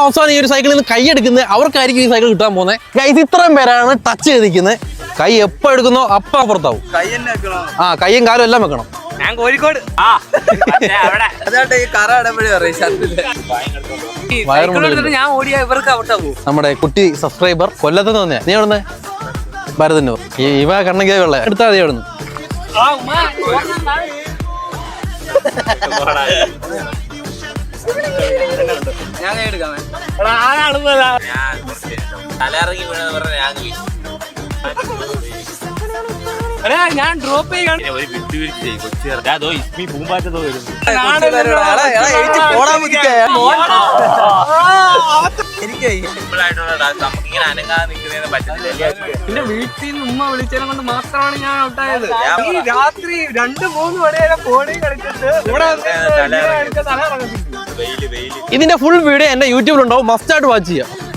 അവസാനം ഈ ഒരു സൈക്കിളിൽ നിന്ന് കൈ എടുക്കുന്നത് അവർക്കായിരിക്കും ഈ സൈക്കിൾ കിട്ടാൻ പോകുന്നത്. ഗൈസ് ഇത്രയും പേരാണ് ടച്ച് ചെയ്ത് നിൽക്കുന്നത്. കൈ എപ്പോ എടുക്കുന്നോ അപ്പൊ അപ്പുറത്താവും. കൈയും കാലും എല്ലാം വെക്കണം. ഞാൻ കോഴിക്കോട് ഞാൻ ഓടിയ ഇവർക്ക് ഔട്ടാവും. നമ്മുടെ കുട്ടി സബ്സ്ക്രൈബർ കൊല്ലത്ത് തന്നെ. നീ എവിടുന്ന്? ഭരതന്നൂർ. ഇവ കണ്ണങ്കി വെള്ള എടുത്താൽ മതി എവിടുന്ന്. ഞാൻ എടുക്കാം. തലയിറങ്ങി വീണെന്ന് പറഞ്ഞ ഞാൻ ഡ്രോപ്പ് ചെയ്യാൻ ഒരു വിട്ടുവീഴ്ച ചെയ്യും. കൊച്ചു ഇസ്മി പൂമ്പാറ്റതോ വരുന്നു. സിമ്പിളായിട്ടുള്ള നമുക്കിങ്ങനെ അനങ്ങാതെ നിൽക്കുന്നതിന് പറ്റത്തില്ല. എന്റെ വീട്ടിൽ നിന്ന് ഉമ്മ വിളിച്ചതിനെ കൊണ്ട് മാത്രമാണ് ഞാൻ ഔട്ടായത്. ഈ രാത്രി 2-3 മണി വരെ ഫോണിൽ കളിച്ചിട്ട് ഇതിന്റെ ഫുൾ വീഡിയോ എന്റെ യൂട്യൂബിലുണ്ടാവും. മസ്റ്റ് ആയിട്ട് വാച്ച് ചെയ്യാം.